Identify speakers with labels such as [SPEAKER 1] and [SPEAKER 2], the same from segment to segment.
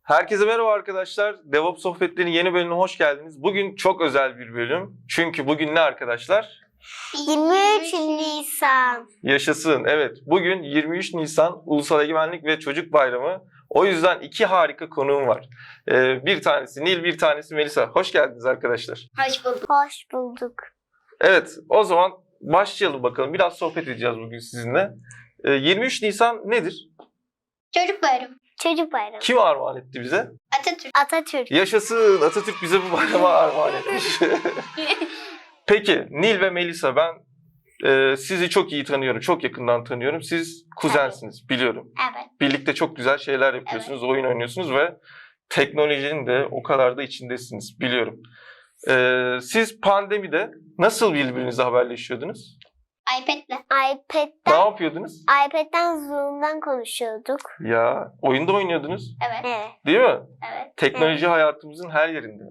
[SPEAKER 1] Herkese merhaba arkadaşlar. DevOps Sohbetleri'nin yeni bölümüne hoş geldiniz. Bugün çok özel bir bölüm. Çünkü bugün ne arkadaşlar?
[SPEAKER 2] 23 Nisan.
[SPEAKER 1] Yaşasın. Evet, bugün 23 Nisan Ulusal Egemenlik ve Çocuk Bayramı. O yüzden iki harika konuğum var. Bir tanesi Nil, bir tanesi Melisa. Hoş geldiniz arkadaşlar.
[SPEAKER 2] Hoş bulduk. Hoş bulduk.
[SPEAKER 1] Evet, o zaman başlayalım bakalım. Biraz sohbet edeceğiz bugün sizinle. 23 Nisan nedir?
[SPEAKER 2] Çocuk bayramı. Çocuk bayramı.
[SPEAKER 1] Kim armağan etti bize?
[SPEAKER 2] Atatürk. Atatürk.
[SPEAKER 1] Yaşasın. Atatürk bize bu bayrama armağan etmiş. Peki Nil ve Melisa, ben sizi çok iyi tanıyorum. Çok yakından tanıyorum. Siz kuzensiniz, biliyorum.
[SPEAKER 2] Evet.
[SPEAKER 1] Birlikte çok güzel şeyler yapıyorsunuz. Oyun oynuyorsunuz ve teknolojinin de o kadar da içindesiniz, biliyorum. Siz pandemide nasıl birbirinizle haberleşiyordunuz?
[SPEAKER 2] iPad'le.
[SPEAKER 1] Ne yapıyordunuz?
[SPEAKER 2] iPad'den Zoom'dan konuşuyorduk.
[SPEAKER 1] Ya oyunda oynuyordunuz,
[SPEAKER 2] Evet.
[SPEAKER 1] değil mi?
[SPEAKER 2] Evet.
[SPEAKER 1] Teknoloji hayatımızın her yerinde.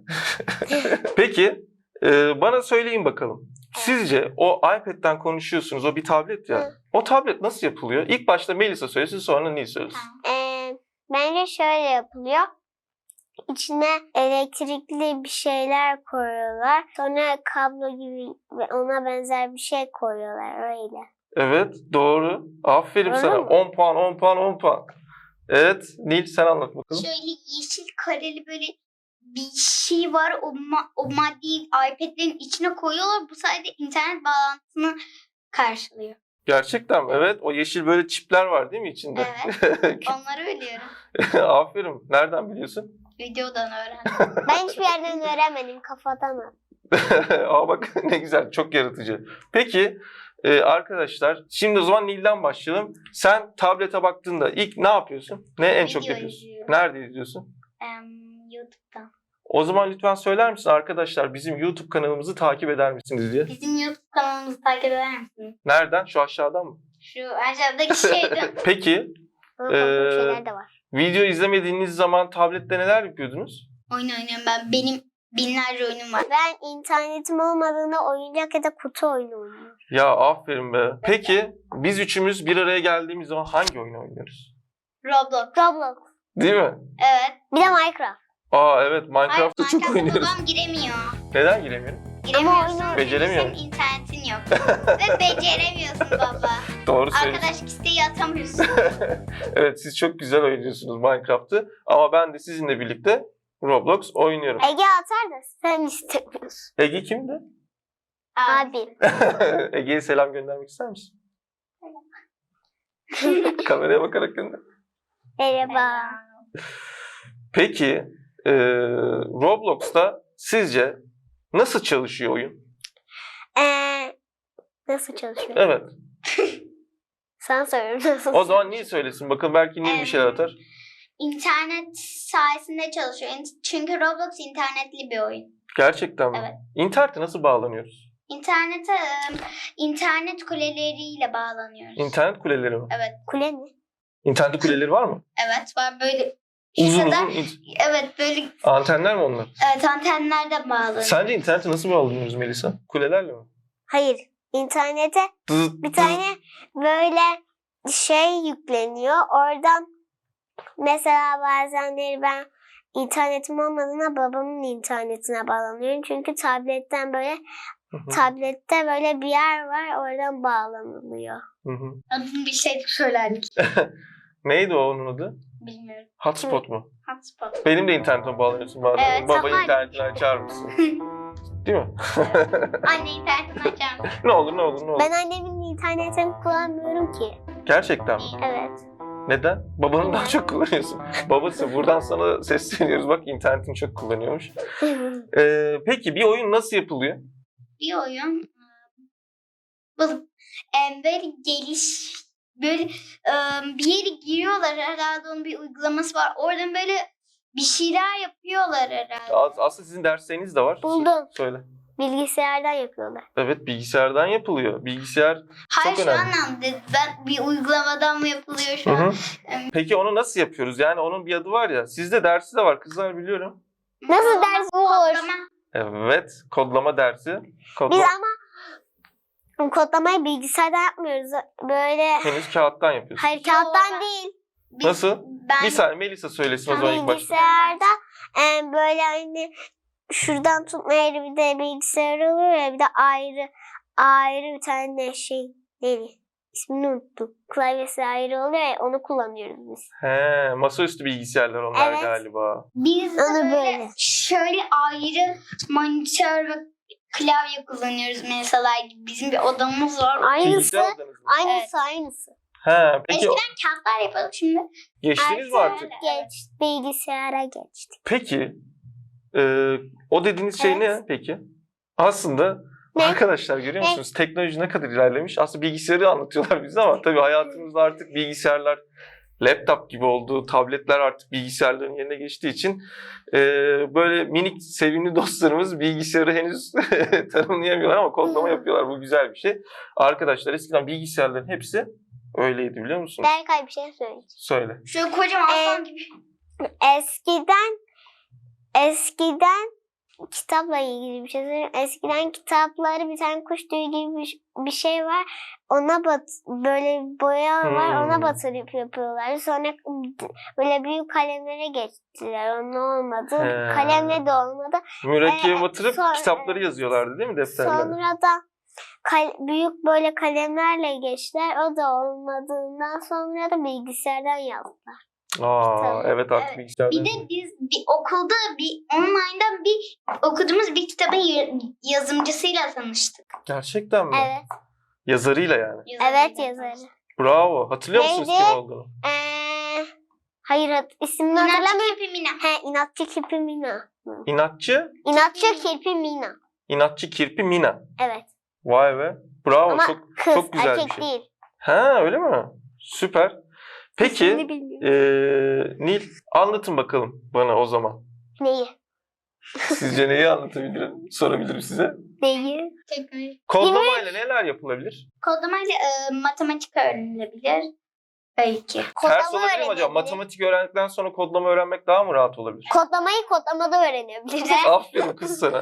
[SPEAKER 1] Peki bana söyleyin bakalım. Sizce o iPad'den konuşuyorsunuz, o bir tablet ya. O tablet nasıl yapılıyor? İlk başta Melisa söylesin, sonra Nil söylesin.
[SPEAKER 2] Bence şöyle yapılıyor. İçine elektrikli bir şeyler koyuyorlar. Sonra kablo gibi ve ona benzer bir şey koyuyorlar öyle.
[SPEAKER 1] Evet, doğru. Aferin
[SPEAKER 2] Öyle
[SPEAKER 1] sana.
[SPEAKER 2] mi?
[SPEAKER 1] 10 puan, 10 puan, 10 puan. Evet, Nil sen anlat bakalım.
[SPEAKER 3] Şöyle yeşil kareli böyle bir şey var. O maddeyi iPad'lerin içine koyuyorlar. Bu sayede internet bağlantısını karşılıyor.
[SPEAKER 1] Gerçekten mi? Evet, o yeşil böyle çipler var değil mi içinde?
[SPEAKER 3] Evet. Onları biliyorum.
[SPEAKER 1] Aferin. Nereden biliyorsun?
[SPEAKER 3] Videodan öğrendim.
[SPEAKER 2] Ben hiçbir yerden öğrenmedim, kafadan.
[SPEAKER 1] Aa bak ne güzel, çok yaratıcı. Peki arkadaşlar, şimdi o zaman Nil'den başlayalım. Sen tablete baktığında ilk ne yapıyorsun? Ne en çok
[SPEAKER 3] Video
[SPEAKER 1] yapıyorsun?
[SPEAKER 3] izliyorum.
[SPEAKER 1] Nerede izliyorsun?
[SPEAKER 3] YouTube'dan.
[SPEAKER 1] O zaman lütfen söyler misin arkadaşlar, bizim YouTube kanalımızı takip eder misiniz diye?
[SPEAKER 3] Bizim YouTube kanalımızı takip eder misiniz?
[SPEAKER 1] Nereden? Şu aşağıdan mı?
[SPEAKER 3] Şu aşağıdaki şeyden.
[SPEAKER 1] Peki
[SPEAKER 2] Ama korkunç şeyler de var.
[SPEAKER 1] video izlemediğiniz zaman tablette neler yapıyordunuz?
[SPEAKER 3] Oyun oynuyorum ben. Benim binlerce oyunum var.
[SPEAKER 2] Ben internetim olmadığında oyuncak ya da kutu oyunu oynuyorum.
[SPEAKER 1] Ya aferin be. Peki biz üçümüz bir araya geldiğimiz zaman hangi oyunu oynuyoruz?
[SPEAKER 3] Roblox.
[SPEAKER 1] Değil mi?
[SPEAKER 3] Evet.
[SPEAKER 2] Bir de Minecraft.
[SPEAKER 1] Aa evet, Minecraft'ta çok
[SPEAKER 3] Minecraft'a
[SPEAKER 1] oynuyoruz.
[SPEAKER 3] babam giremiyor.
[SPEAKER 1] Neden giremiyorum?
[SPEAKER 3] Giremiyorsun.
[SPEAKER 2] oyunu
[SPEAKER 1] beceremiyor
[SPEAKER 3] Senin internetin yok. Ve beceremiyorsun baba.
[SPEAKER 1] Doğru söylüyorsun.
[SPEAKER 3] Arkadaşlık isteği atamıyorsun.
[SPEAKER 1] Evet, siz çok güzel oynuyorsunuz Minecraft'ı ama ben de sizinle birlikte Roblox oynuyorum.
[SPEAKER 2] Ege atar da sen istemiyorsun.
[SPEAKER 1] Ege kimdi?
[SPEAKER 2] Abi.
[SPEAKER 1] Ege'ye selam göndermek ister misin? Kameraya bakarak gönder.
[SPEAKER 2] Merhaba.
[SPEAKER 1] Peki Roblox'ta sizce nasıl çalışıyor oyun?
[SPEAKER 2] Nasıl çalışıyor?
[SPEAKER 1] Evet.
[SPEAKER 2] Sen söyle nasıl?
[SPEAKER 1] O zaman Nil söylesin. Bakın belki Nil bir şeyler atar.
[SPEAKER 3] İnternet sayesinde çalışıyor. Çünkü Roblox internetli bir oyun.
[SPEAKER 1] Gerçekten mi?
[SPEAKER 3] Evet.
[SPEAKER 1] İnternete nasıl bağlanıyoruz?
[SPEAKER 3] İnternete internet kuleleriyle bağlanıyoruz.
[SPEAKER 1] İnternet kuleleri mi?
[SPEAKER 3] Evet.
[SPEAKER 2] Kule mi?
[SPEAKER 1] İnternet kuleleri var mı?
[SPEAKER 3] Evet var böyle.
[SPEAKER 1] Uzun
[SPEAKER 3] kadar-
[SPEAKER 1] uzun
[SPEAKER 3] Evet böyle
[SPEAKER 1] antenler mi onlar?
[SPEAKER 3] evet, antenlerden bağlanıyor.
[SPEAKER 1] Sence internete nasıl bağlanıyoruz Melisa? Kulelerle mi?
[SPEAKER 2] Hayır. İnternete
[SPEAKER 1] Dız,
[SPEAKER 2] bir tane böyle şey yükleniyor. Oradan mesela bazenleri ben internetim olmadığında babamın internetine bağlanıyorum. Çünkü tabletten böyle tablette böyle bir yer var, oradan bağlanılıyor.
[SPEAKER 3] Adını bir şey söylerdik.
[SPEAKER 1] Neydi o onun adı?
[SPEAKER 3] Bilmiyorum.
[SPEAKER 1] Hotspot mu?
[SPEAKER 3] Hotspot.
[SPEAKER 1] Benim de internetime bağlanıyorsun bazen.
[SPEAKER 3] Evet,
[SPEAKER 1] Baba
[SPEAKER 2] tamam.
[SPEAKER 1] internetini açar mısın? Değil mi?
[SPEAKER 3] Anne internetini açar mısın?
[SPEAKER 1] Ne olur ne olur ne olur.
[SPEAKER 2] Ben annemin internetini kullanmıyorum ki.
[SPEAKER 1] Gerçekten mi?
[SPEAKER 2] Evet.
[SPEAKER 1] Neden? Babanın daha çok kullanıyorsun. Babası, buradan sana sesleniyoruz. Bak internetini çok kullanıyormuş. Peki bir oyun nasıl yapılıyor?
[SPEAKER 3] Bir oyun böyle böyle bir yere giriyorlar, herhalde onun bir uygulaması var. Oradan böyle bir şeyler yapıyorlar herhalde.
[SPEAKER 1] Aslında sizin dersleriniz de var.
[SPEAKER 2] Buldum.
[SPEAKER 1] Söyle.
[SPEAKER 2] Bilgisayardan yapıyorlar.
[SPEAKER 1] Evet, bilgisayardan yapılıyor. Bilgisayar
[SPEAKER 3] Hayır
[SPEAKER 1] çok
[SPEAKER 3] şu
[SPEAKER 1] önemli.
[SPEAKER 3] anlamda ben bir uygulamadan mı yapılıyor şu
[SPEAKER 1] Hı
[SPEAKER 3] an?
[SPEAKER 1] hı. Peki onu nasıl yapıyoruz? Yani onun bir adı var ya. Sizde dersi de var kızlar, biliyorum.
[SPEAKER 2] Nasıl ders bu olur?
[SPEAKER 3] Kodlama.
[SPEAKER 1] Evet, kodlama dersi.
[SPEAKER 2] Biz ama kodlamayı bilgisayardan yapmıyoruz. Böyle
[SPEAKER 1] Henüz kağıttan yapıyorsunuz.
[SPEAKER 2] hayır kağıttan değil.
[SPEAKER 1] Nasıl?
[SPEAKER 3] Ben
[SPEAKER 1] Bir saniye Melisa söylesin o zaman ilk başta.
[SPEAKER 2] Bilgisayarda böyle hani şuradan tutma yeri bir de bilgisayar oluyor ya, bir de ayrı bir tane şey neydi? İsmini unuttum. Klavyesi ayrı oluyor ya, onu kullanıyoruz biz.
[SPEAKER 1] He, masaüstü bilgisayarlar onlar
[SPEAKER 2] Evet.
[SPEAKER 1] galiba.
[SPEAKER 3] biz de
[SPEAKER 2] Onu
[SPEAKER 3] böyle
[SPEAKER 2] böyle.
[SPEAKER 3] şöyle ayrı monitör ve klavye kullanıyoruz mesela. Bizim bir odamız var.
[SPEAKER 2] Aynısı.
[SPEAKER 1] Bilgisayar odanız mı?
[SPEAKER 2] Aynısı.
[SPEAKER 1] He, peki
[SPEAKER 3] Eskiden kağıtlar yapalım şimdi.
[SPEAKER 1] geçtiniz mi artık?
[SPEAKER 2] Bilgisayara geçtik.
[SPEAKER 1] Peki o dediğiniz şey
[SPEAKER 2] Evet.
[SPEAKER 1] ne peki? Aslında
[SPEAKER 2] Ne?
[SPEAKER 1] arkadaşlar görüyor
[SPEAKER 2] Ne?
[SPEAKER 1] musunuz? Teknoloji ne kadar ilerlemiş. Aslında bilgisayarı anlatıyorlar bize ama tabii hayatımızda artık bilgisayarlar laptop gibi oldu. Tabletler artık bilgisayarların yerine geçtiği için böyle minik sevimli dostlarımız bilgisayarı henüz tanımlayamıyorlar ama kodlama yapıyorlar. Bu güzel bir şey. Arkadaşlar eskiden bilgisayarların hepsi öyleydi biliyor musunuz?
[SPEAKER 2] Berkay bir şey söyleyeceğim.
[SPEAKER 1] Söyle.
[SPEAKER 3] Şöyle kocaman aslan gibi.
[SPEAKER 2] Eskiden kitapla ilgili bir şey söyleyeyim. Eskiden kitapları bir tane kuş tüyü gibi bir şey var. Ona böyle boya var. Ona batırıp yapıyorlar. Sonra böyle büyük kalemlere geçtiler. Onun olmadı.
[SPEAKER 1] He.
[SPEAKER 2] Kalemle de olmadı.
[SPEAKER 1] Mürekkebe batırıp
[SPEAKER 2] sonra-
[SPEAKER 1] kitapları yazıyorlardı değil mi defterlere?
[SPEAKER 2] Sonra da büyük böyle kalemlerle geçtiler. O da olmadığından sonra da bilgisayardan yazdılar.
[SPEAKER 1] Aa, evet artık
[SPEAKER 3] Evet.
[SPEAKER 1] bilgisayardan.
[SPEAKER 3] Bir de biz bir okulda online'dan bir okuduğumuz bir kitabın yazımcısıyla tanıştık.
[SPEAKER 1] Gerçekten mi?
[SPEAKER 2] Evet.
[SPEAKER 1] Yazarıyla yani.
[SPEAKER 2] Evet yazarı.
[SPEAKER 1] Bravo. Hatırlıyor musunuz
[SPEAKER 2] Neydi?
[SPEAKER 1] kim olduğunu?
[SPEAKER 2] Hayır ismini
[SPEAKER 3] İnatçı
[SPEAKER 2] hatırlamıyorum.
[SPEAKER 3] Kirpi Mina.
[SPEAKER 2] İnatçı Kirpi Mina.
[SPEAKER 1] İnatçı,
[SPEAKER 2] İnatçı Kirpi Mina.
[SPEAKER 1] inatçı kirpi Mina.
[SPEAKER 2] Evet.
[SPEAKER 1] Vay be. Bravo.
[SPEAKER 2] Ama
[SPEAKER 1] çok
[SPEAKER 2] kız,
[SPEAKER 1] çok güzel
[SPEAKER 2] erkek
[SPEAKER 1] bir şey.
[SPEAKER 2] değil.
[SPEAKER 1] Ha öyle mi? Süper. Peki
[SPEAKER 2] İsmini bilmiyorum.
[SPEAKER 1] Nil anlatın bakalım bana o zaman.
[SPEAKER 2] Neyi?
[SPEAKER 1] Sizce neyi anlatabilirim? Sorabilirim size.
[SPEAKER 2] Neyi?
[SPEAKER 3] Teknoloji.
[SPEAKER 1] Kodlamayla neler yapılabilir?
[SPEAKER 3] Kodlamayla matematik öğrenilebilir. Belki.
[SPEAKER 1] Ters
[SPEAKER 2] Kodlama
[SPEAKER 1] olabilir mi acaba?
[SPEAKER 2] öğrenebilir.
[SPEAKER 1] Matematik öğrendikten sonra kodlama öğrenmek daha mı rahat olabilir?
[SPEAKER 2] Kodlamayı kodlamada öğrenebiliriz.
[SPEAKER 1] Aferin kız sana.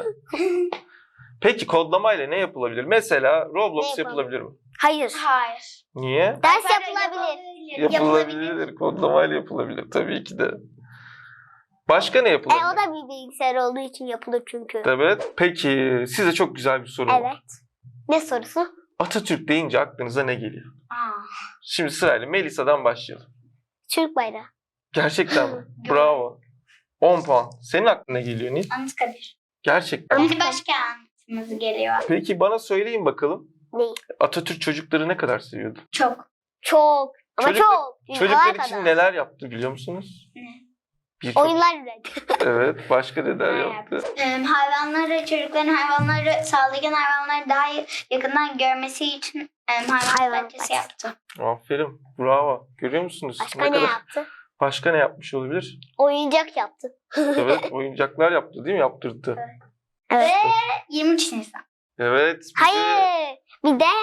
[SPEAKER 1] Peki kodlamayla ne yapılabilir? Mesela Roblox
[SPEAKER 2] Ne
[SPEAKER 1] yapılabilir mi?
[SPEAKER 2] Hayır.
[SPEAKER 3] Hayır.
[SPEAKER 1] Niye?
[SPEAKER 2] Ders
[SPEAKER 3] Yapılabilir.
[SPEAKER 2] yapılabilir.
[SPEAKER 1] Yapılabilir. Kodlamayla yapılabilir tabii ki de. Başka ne yapılabilir?
[SPEAKER 2] O da bir bilgisayar olduğu için yapılır çünkü.
[SPEAKER 1] Evet. Peki size çok güzel bir soru var.
[SPEAKER 2] Evet. Ne sorusu?
[SPEAKER 1] Atatürk deyince aklınıza ne geliyor?
[SPEAKER 3] Aa.
[SPEAKER 1] Şimdi sırayla Melisa'dan başlayalım.
[SPEAKER 2] Türk bayrağı.
[SPEAKER 1] Gerçekten mi? Bravo. 10 puan. Senin aklına ne geliyor Nil?
[SPEAKER 3] Anıtkabir.
[SPEAKER 1] Gerçekten.
[SPEAKER 3] Yani başkentimiz geliyor.
[SPEAKER 1] Peki bana söyleyin bakalım.
[SPEAKER 2] Neyi?
[SPEAKER 1] Atatürk çocukları ne kadar seviyordu?
[SPEAKER 3] Çok.
[SPEAKER 2] Çok. Ama
[SPEAKER 1] Çocuklar-
[SPEAKER 2] çok.
[SPEAKER 1] Çocuklar
[SPEAKER 2] Dünyalar
[SPEAKER 1] için
[SPEAKER 2] kadar.
[SPEAKER 1] neler yaptı biliyor musunuz?
[SPEAKER 3] Ne?
[SPEAKER 1] Birçok.
[SPEAKER 2] Oyunlar üretti.
[SPEAKER 1] Evet. Başka neler
[SPEAKER 3] Ne
[SPEAKER 1] yaptı?
[SPEAKER 3] Çocukların hayvanları, saldırgan hayvanları daha yakından görmesi için hayvan
[SPEAKER 2] Hayvan
[SPEAKER 3] bahçesi yaptı.
[SPEAKER 1] Aferin. Bravo. Görüyor musunuz?
[SPEAKER 2] Başka ne yaptı?
[SPEAKER 1] Başka ne yapmış olabilir?
[SPEAKER 2] Oyuncak yaptı.
[SPEAKER 1] Evet. Oyuncaklar yaptı değil mi? Yaptırdı.
[SPEAKER 2] Evet.
[SPEAKER 3] Ve 23 Nisan.
[SPEAKER 1] Evet. bize
[SPEAKER 2] Hayır. Bir de.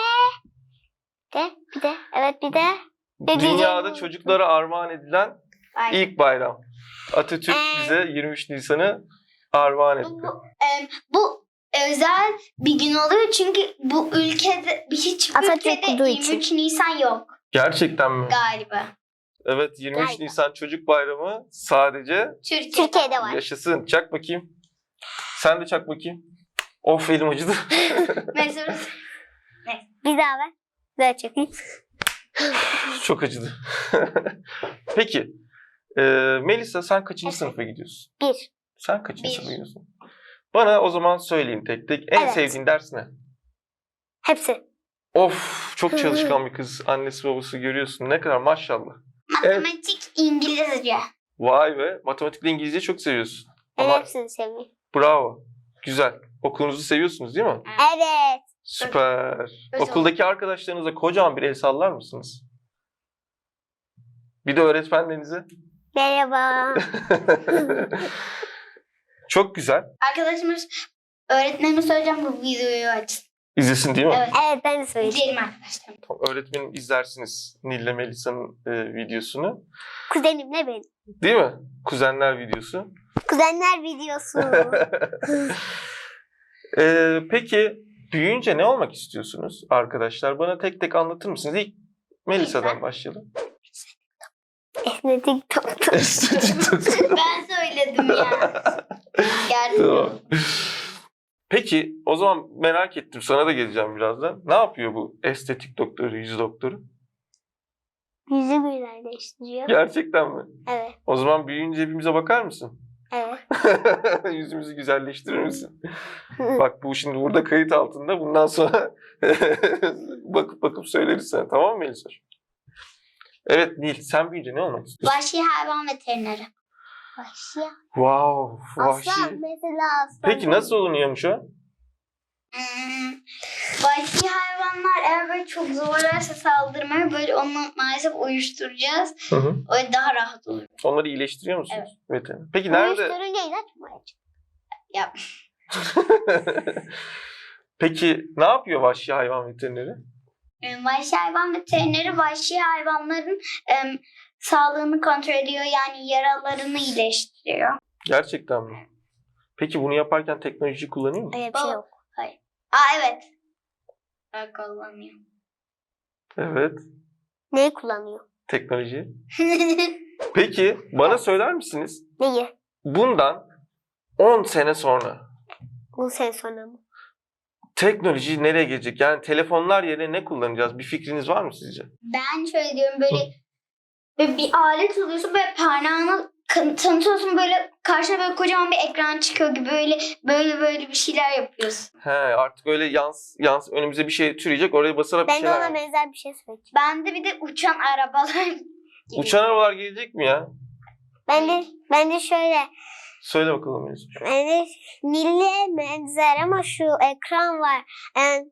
[SPEAKER 2] Evet bir de. Ne
[SPEAKER 1] Dünyada
[SPEAKER 2] diyeceğimi
[SPEAKER 1] çocuklara armağan edilen
[SPEAKER 3] Ay.
[SPEAKER 1] ilk bayram. Atatürk bize 23 Nisan'ı armağan etti.
[SPEAKER 3] Bu özel bir gün oluyor çünkü bu ülkede hiç
[SPEAKER 2] Atatürk
[SPEAKER 3] ülkede
[SPEAKER 2] olduğu için.
[SPEAKER 3] 23 Nisan yok
[SPEAKER 1] Gerçekten mi?
[SPEAKER 3] galiba.
[SPEAKER 1] Evet 23
[SPEAKER 2] Galiba.
[SPEAKER 1] Nisan Çocuk Bayramı sadece
[SPEAKER 2] Türkiye'de var.
[SPEAKER 1] yaşasın. Çak bakayım. Sen de çak bakayım. Of elim acıdı.
[SPEAKER 3] Mesela
[SPEAKER 2] Bir daha ver. Ver çekeyim.
[SPEAKER 1] Çok acıdı. Peki. Melisa sen kaçıncı
[SPEAKER 2] Evet.
[SPEAKER 1] sınıfa gidiyorsun?
[SPEAKER 2] 1.
[SPEAKER 1] Sen kaçıncı
[SPEAKER 3] Bir.
[SPEAKER 1] sınıfa gidiyorsun? Bana o zaman söyleyin tek tek. En
[SPEAKER 2] Evet.
[SPEAKER 1] sevdiğin ders ne?
[SPEAKER 2] Hepsi.
[SPEAKER 1] Of çok çalışkan bir kız. Annesi babası görüyorsun. Ne kadar maşallah.
[SPEAKER 3] matematik, İngilizce.
[SPEAKER 1] Vay be. Matematikle İngilizce çok seviyorsun.
[SPEAKER 2] Ben
[SPEAKER 1] Ama
[SPEAKER 2] hepsini seviyorum.
[SPEAKER 1] bravo. Güzel. Okulunuzu seviyorsunuz değil mi?
[SPEAKER 2] Evet.
[SPEAKER 1] Süper.
[SPEAKER 3] Özel.
[SPEAKER 1] Okuldaki arkadaşlarınıza kocaman bir el sallar mısınız? Bir de öğretmenlerinize.
[SPEAKER 2] Merhaba.
[SPEAKER 1] Çok güzel.
[SPEAKER 3] Arkadaşımız öğretmenime söyleyeceğim bu videoyu açsın.
[SPEAKER 1] İzlesin değil mi?
[SPEAKER 3] Evet.
[SPEAKER 2] Evet ben de söyleyeceğim.
[SPEAKER 3] İzleyelim arkadaşlar.
[SPEAKER 1] Tamam, öğretmenim izlersiniz Nil'le Melisa'nın videosunu.
[SPEAKER 2] Kuzenimle benim.
[SPEAKER 1] Değil mi? Kuzenler videosu.
[SPEAKER 2] Kuzenler videosu.
[SPEAKER 1] Peki büyüyünce ne olmak istiyorsunuz arkadaşlar? Bana tek tek anlatır mısınız? İlk Melisa'dan
[SPEAKER 3] Melisa.
[SPEAKER 1] başlayalım.
[SPEAKER 2] Estetik doktor.
[SPEAKER 1] Estetik doktor.
[SPEAKER 3] Ben söyledim ya. Gerçekten.
[SPEAKER 1] Tamam. Peki o zaman merak ettim. Sana da geleceğim birazdan. Ne yapıyor bu estetik doktoru, yüz doktoru?
[SPEAKER 2] Yüzü güzelleştiriyor.
[SPEAKER 1] Gerçekten mi?
[SPEAKER 2] Evet.
[SPEAKER 1] O zaman büyüyünce hepimize bakar mısın?
[SPEAKER 2] Evet.
[SPEAKER 1] Yüzümüzü güzelleştirir misin? Bak bu şimdi burada kayıt altında. Bundan sonra bakıp söyleriz sana. Tamam mı Melisa? Evet Nil, sen büyüyünce ne olmak istiyorsun?
[SPEAKER 3] Vahşi hayvan veterineri.
[SPEAKER 2] Vahşi.
[SPEAKER 1] Wow, vahşi.
[SPEAKER 2] Aslan mesela aslan.
[SPEAKER 1] Peki nasıl olunuyormuş o?
[SPEAKER 3] Vahşi hayvanlar eğer böyle çok zorlarsa saldırmaya böyle onu maalesef uyuşturacağız.
[SPEAKER 1] Hı hı.
[SPEAKER 3] Öyle daha rahat olur.
[SPEAKER 1] Onları iyileştiriyor musunuz?
[SPEAKER 3] Evet.
[SPEAKER 1] Veteriner. Peki nerede?
[SPEAKER 2] Uyuşturucu ilaç mı acaba?
[SPEAKER 3] Yap.
[SPEAKER 1] Peki ne yapıyor vahşi hayvan veterineri?
[SPEAKER 3] Vahşi hayvan veterineri vahşi hayvanların sağlığını kontrol ediyor. Yani yaralarını iyileştiriyor.
[SPEAKER 1] Gerçekten mi? Peki bunu yaparken teknoloji kullanıyor mu?
[SPEAKER 2] Öyle bir şey yok.
[SPEAKER 3] Evet. Ben kullanıyorum.
[SPEAKER 1] Evet.
[SPEAKER 2] Neyi kullanıyor?
[SPEAKER 1] Teknoloji. Peki bana söyler misiniz?
[SPEAKER 2] Neyi?
[SPEAKER 1] Bundan 10 sene sonra
[SPEAKER 2] 10 sene sonra mı?
[SPEAKER 1] teknoloji nereye gelecek? Yani telefonlar yerine ne kullanacağız? Bir fikriniz var mı sizce?
[SPEAKER 3] Ben şöyle diyorum böyle bir alet alıyorsun böyle parmağını tanıtıyorsun böyle karşına böyle kocaman bir ekran çıkıyor gibi böyle bir şeyler yapıyorsun.
[SPEAKER 1] He, artık öyle yans önümüze bir şey türeyecek, oraya basarak bir
[SPEAKER 2] Ben de
[SPEAKER 1] şeyler
[SPEAKER 2] ona
[SPEAKER 1] yap-
[SPEAKER 2] benzer bir şey söyleyeceğim.
[SPEAKER 3] Bende bir de uçan arabalar gibi.
[SPEAKER 1] Uçan arabalar gelecek mi ya?
[SPEAKER 2] Ben de şöyle.
[SPEAKER 1] Söyle bakalım Melisa.
[SPEAKER 2] Yani Nil'e benzer ama şu ekran var. Yani,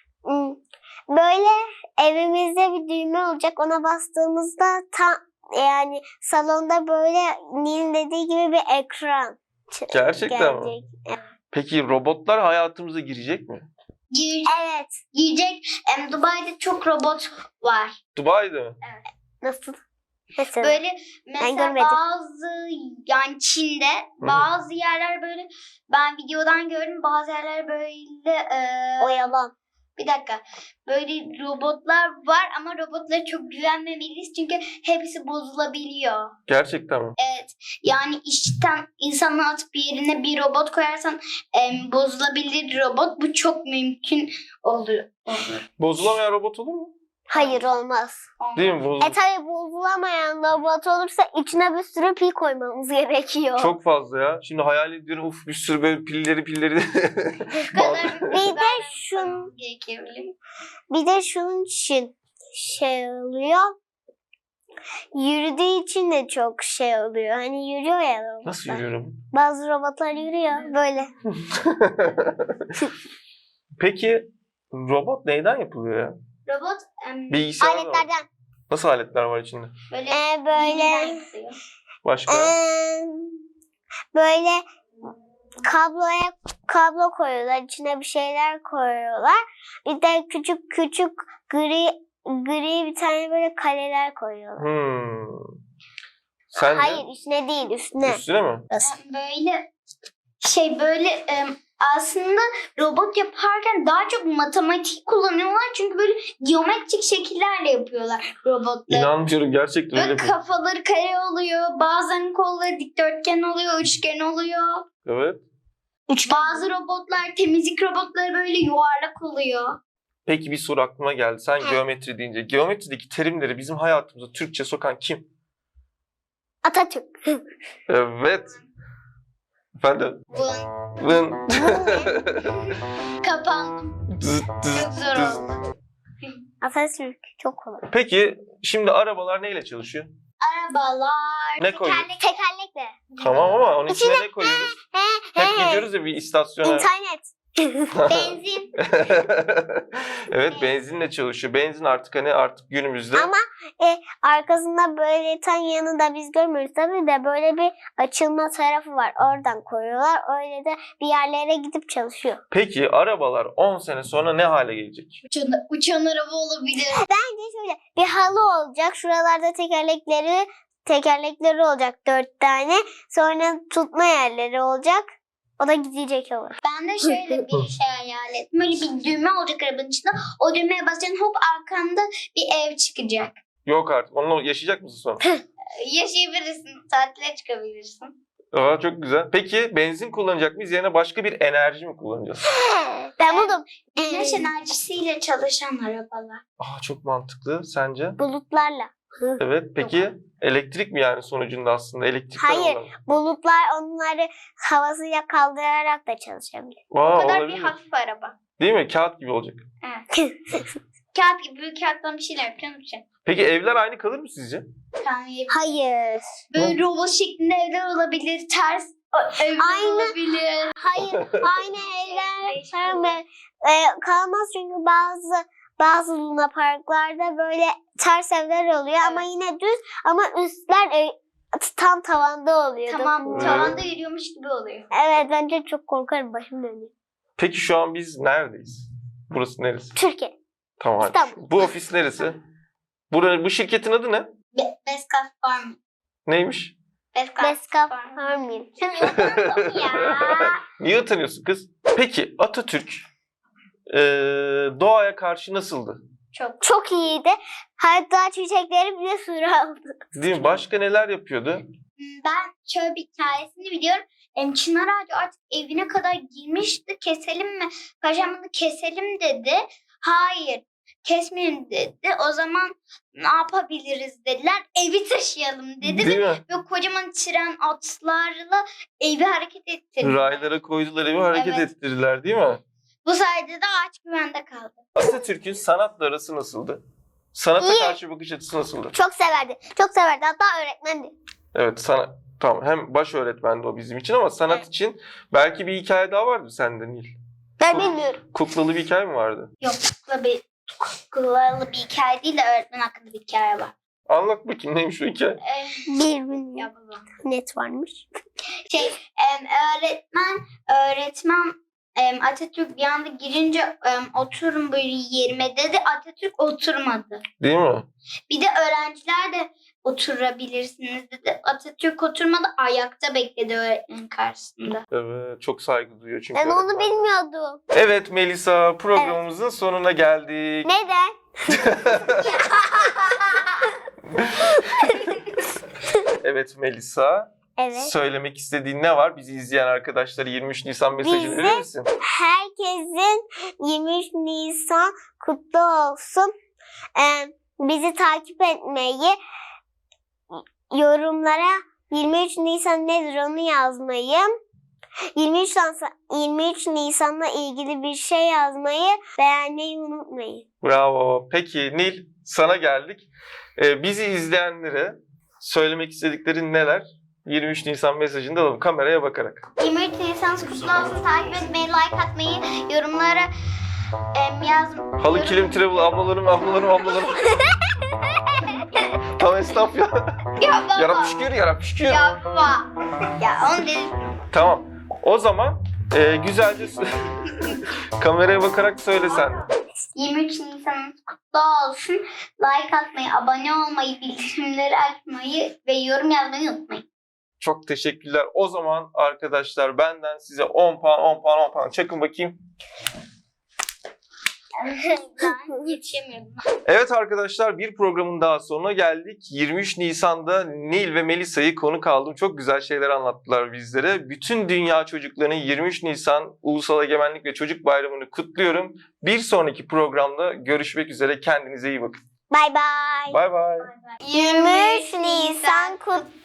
[SPEAKER 2] böyle evimizde bir düğme olacak. Ona bastığımızda yani salonda böyle Nil'in dediği gibi bir ekran
[SPEAKER 1] Gerçekten mi?
[SPEAKER 2] gelecek.
[SPEAKER 1] Peki robotlar hayatımıza girecek mi?
[SPEAKER 2] Evet.
[SPEAKER 3] Girecek. Dubai'de çok robot var.
[SPEAKER 1] Dubai'de mi?
[SPEAKER 2] Nasıl? Mesela.
[SPEAKER 3] Böyle mesela
[SPEAKER 2] görmedim.
[SPEAKER 3] bazı yani Çin'de bazı yerler böyle ben videodan gördüm bazı yerler böyle
[SPEAKER 2] O yalan.
[SPEAKER 3] bir dakika böyle robotlar var ama robotlara çok güvenmemeliyiz çünkü hepsi bozulabiliyor.
[SPEAKER 1] Gerçekten mi?
[SPEAKER 3] Evet yani işten insanı atıp yerine bir robot koyarsan bozulabilir robot bu çok mümkün olur.
[SPEAKER 1] Bozulamayan robot olur mu?
[SPEAKER 2] Hayır olmaz.
[SPEAKER 1] Değil mi? Bozul-
[SPEAKER 2] Tabii bozulamayan robot olursa içine bir sürü pil koymamız gerekiyor.
[SPEAKER 1] Çok fazla ya. Şimdi hayal ediyorum uf bir sürü böyle pilleri.
[SPEAKER 2] Bir de şun
[SPEAKER 3] gerekebilir.
[SPEAKER 2] Bir de şunun için şey oluyor. Yürüdüğü için de çok şey oluyor. Hani yürüyor ya robotlar.
[SPEAKER 1] Nasıl yürüyorum?
[SPEAKER 2] Bazı robotlar yürüyor böyle.
[SPEAKER 1] Peki robot neyden yapılıyor ya?
[SPEAKER 3] Robot
[SPEAKER 1] Bilgisayar mı var?
[SPEAKER 2] Aletlerden.
[SPEAKER 1] Nasıl aletler var içinde?
[SPEAKER 3] böyle
[SPEAKER 2] Böyle
[SPEAKER 3] bilgiden yapıyor.
[SPEAKER 1] Başka?
[SPEAKER 2] böyle kablo koyuyorlar. İçine bir şeyler koyuyorlar. Bir de küçük gri bir tane böyle kaleler koyuyorlar.
[SPEAKER 1] Sen
[SPEAKER 2] Hayır içine değil üstüne.
[SPEAKER 1] üstüne mi?
[SPEAKER 3] Böyle aslında robot yaparken daha çok matematik kullanıyorlar çünkü böyle geometrik şekillerle yapıyorlar robotları.
[SPEAKER 1] İnanmıyorum gerçekten öyle
[SPEAKER 3] Böyle
[SPEAKER 1] mi?
[SPEAKER 3] kafaları kare oluyor, bazen kolları dikdörtgen oluyor, üçgen oluyor.
[SPEAKER 1] Evet.
[SPEAKER 3] Bazı robotlar, temizlik robotları böyle yuvarlak oluyor.
[SPEAKER 1] Peki bir soru aklıma geldi. Sen geometri deyince geometrideki terimleri bizim hayatımıza Türkçe sokan kim?
[SPEAKER 2] Atatürk.
[SPEAKER 1] Evet. Efendim? Vın.
[SPEAKER 3] Kapandım.
[SPEAKER 1] Zıt, zıt,
[SPEAKER 3] Çok zor
[SPEAKER 1] zıt.
[SPEAKER 3] oldu.
[SPEAKER 2] Atatürk çok kolay.
[SPEAKER 1] Peki şimdi arabalar neyle çalışıyor?
[SPEAKER 3] Arabalar.
[SPEAKER 1] Ne koyuyoruz?
[SPEAKER 2] Tekerlekle.
[SPEAKER 1] Tamam ama onun içine ne koyuyoruz? Hep
[SPEAKER 2] He.
[SPEAKER 1] gidiyoruz ya bir istasyona.
[SPEAKER 2] İnternet.
[SPEAKER 3] Benzin.
[SPEAKER 1] Evet benzinle çalışıyor. Benzin artık günümüzde.
[SPEAKER 2] Ama arkasında böyle tam yanında biz görmüyoruz tabii de böyle bir açılma tarafı var. Oradan koyuyorlar. Öyle de bir yerlere gidip çalışıyor.
[SPEAKER 1] Peki arabalar 10 sene sonra ne hale gelecek?
[SPEAKER 3] Uçan araba olabilir.
[SPEAKER 2] Bence şöyle bir halı olacak. Şuralarda tekerlekleri olacak 4 tane. Sonra tutma yerleri olacak. O da gidecek olur.
[SPEAKER 3] Ben de şöyle bir şey hayal ettim. Böyle bir düğme olacak arabanın içinde. O düğmeye basacaksın hop arkanda bir ev çıkacak.
[SPEAKER 1] Yok artık. Onunla yaşayacak mısın sonra?
[SPEAKER 3] yaşayabilirsin. Tatile çıkabilirsin.
[SPEAKER 1] Aa, çok güzel. Peki benzin kullanacak mıyız? Yerine başka bir enerji mi kullanacağız?
[SPEAKER 2] Ben buldum.
[SPEAKER 3] Güneş enerjisiyle çalışan arabalar.
[SPEAKER 1] Aa, çok mantıklı. Sence?
[SPEAKER 2] Bulutlarla.
[SPEAKER 1] Evet. Peki elektrik mi yani sonucunda aslında? Elektrikten
[SPEAKER 2] Hayır.
[SPEAKER 1] olan.
[SPEAKER 2] Bulutlar onları havasıyla kaldırarak da çalışabilir.
[SPEAKER 3] O
[SPEAKER 1] Aa,
[SPEAKER 3] kadar bir
[SPEAKER 1] olabilir.
[SPEAKER 3] hafif araba.
[SPEAKER 1] Değil mi? Kağıt gibi olacak.
[SPEAKER 3] Evet. Kağıt gibi büyük kağıttan bir şeyler yapacağım için.
[SPEAKER 1] Peki evler aynı kalır mı sizce?
[SPEAKER 2] Hayır.
[SPEAKER 3] Böyle robot şeklinde evler olabilir. Ters evler
[SPEAKER 2] Aynı.
[SPEAKER 3] olabilir.
[SPEAKER 2] Hayır. Aynı evler kalmaz çünkü bazı Luna Parklarda böyle ters evler oluyor ama
[SPEAKER 3] Evet.
[SPEAKER 2] yine düz ama üstler tam tavanda oluyor.
[SPEAKER 3] Tamam.
[SPEAKER 2] Dokunmuyor.
[SPEAKER 3] Tavanda yürüyormuş gibi oluyor.
[SPEAKER 2] Evet bence çok korkarım başım dönüyor.
[SPEAKER 1] Peki şu an biz neredeyiz? Burası neresi?
[SPEAKER 2] Türkiye.
[SPEAKER 1] Tamam hadi.
[SPEAKER 2] İstanbul.
[SPEAKER 1] Bu ofis neresi? Bu şirketin adı ne?
[SPEAKER 3] Beskaf Farm.
[SPEAKER 1] Neymiş?
[SPEAKER 2] Beskaf Farming.
[SPEAKER 3] Ya.
[SPEAKER 1] Niye utanıyorsun kız? Peki Atatürk doğaya karşı nasıldı?
[SPEAKER 3] Çok.
[SPEAKER 2] Çok iyiydi. Hatta çiçekleri bile sura aldı.
[SPEAKER 1] Değil mi? Başka neler yapıyordu?
[SPEAKER 3] Ben şöyle bir hikayesini biliyorum. Çınar ağacı artık evine kadar girmişti. Keselim mi? Paşam bunu keselim dedi. Hayır. Kesmeyelim dedi. O zaman ne yapabiliriz dediler. Evi taşıyalım dedi.
[SPEAKER 1] Değil mi?
[SPEAKER 3] Ve kocaman tren atlarla evi hareket ettirdi.
[SPEAKER 1] Raylara koydular, evi hareket
[SPEAKER 3] Evet.
[SPEAKER 1] ettirdiler değil mi?
[SPEAKER 3] Bu sayede de ağaç güvende kaldı.
[SPEAKER 1] Atatürk'ün sanatla arası nasıldı? Sanata
[SPEAKER 2] İyi.
[SPEAKER 1] karşı bakış açısı nasıldı?
[SPEAKER 2] Çok severdi. Çok severdi. Hatta öğretmendi.
[SPEAKER 1] Evet, tamam, hem baş öğretmendi o bizim için ama sanat
[SPEAKER 3] Evet.
[SPEAKER 1] için belki bir hikaye daha vardı sende Nil.
[SPEAKER 2] Ben bilmiyorum.
[SPEAKER 1] Kuklalı bir hikaye mi vardı?
[SPEAKER 3] Yok kuklalı bir hikaye değil de öğretmen hakkında bir hikaye var.
[SPEAKER 1] Anlat bakayım neymiş o hikaye?
[SPEAKER 2] Bilmiyorum.
[SPEAKER 3] Ya baba.
[SPEAKER 2] Net varmış.
[SPEAKER 3] Öğretmen Atatürk bir anda girince oturun böyle yerime dedi. Atatürk oturmadı.
[SPEAKER 1] Değil mi?
[SPEAKER 3] Bir de öğrenciler de oturabilirsiniz dedi. Atatürk oturmadı, ayakta bekledi öğretmenin karşısında.
[SPEAKER 1] Evet, çok saygı duyuyor çünkü.
[SPEAKER 2] Ben onu
[SPEAKER 1] öğretmen.
[SPEAKER 2] bilmiyordum.
[SPEAKER 1] Evet Melisa, programımızın sonuna geldik.
[SPEAKER 2] Neden?
[SPEAKER 1] Evet Melisa,
[SPEAKER 2] Evet.
[SPEAKER 1] söylemek istediğin ne var? Bizi izleyen arkadaşlara 23 Nisan mesajını
[SPEAKER 2] Bizi-
[SPEAKER 1] verir misin?
[SPEAKER 2] Herkesin 23 Nisan kutlu olsun. Bizi takip etmeyi, yorumlara 23 Nisan nedir onu yazmayı, 23 Nisan'la ilgili bir şey yazmayı beğenmeyi unutmayın.
[SPEAKER 1] Bravo. Peki Nil, sana geldik. Bizi izleyenlere söylemek istediklerin neler? 23 Nisan mesajını da alalım kameraya bakarak.
[SPEAKER 3] 23 Nisan kutlu olsun, takip etmeyi, like atmayı, yorumlara yazmayı.
[SPEAKER 1] Halı kilim travel ablalarım. Tam esnaf ya.
[SPEAKER 3] Ya baba.
[SPEAKER 1] Yarap şükür.
[SPEAKER 3] Ya baba. Ya onu dedim.
[SPEAKER 1] Tamam. O zaman güzelce kameraya bakarak söyle sen.
[SPEAKER 3] 23 Nisan'ınız kutlu olsun. Like atmayı, abone olmayı, bildirimleri açmayı ve yorum yazmayı unutmayın.
[SPEAKER 1] Çok teşekkürler. O zaman arkadaşlar benden size 10 puan çakın bakayım.
[SPEAKER 3] Ben yetişemiyorum.
[SPEAKER 1] Evet arkadaşlar, bir programın daha sonuna geldik. 23 Nisan'da Nil ve Melisa'yı konuk aldım. Çok güzel şeyler anlattılar bizlere. Bütün dünya çocuklarının 23 Nisan Ulusal Egemenlik ve Çocuk Bayramı'nı kutluyorum. Bir sonraki programda görüşmek üzere. Kendinize iyi bakın.
[SPEAKER 2] Bay bay.
[SPEAKER 1] Bay bay.
[SPEAKER 2] 23 Nisan kutlu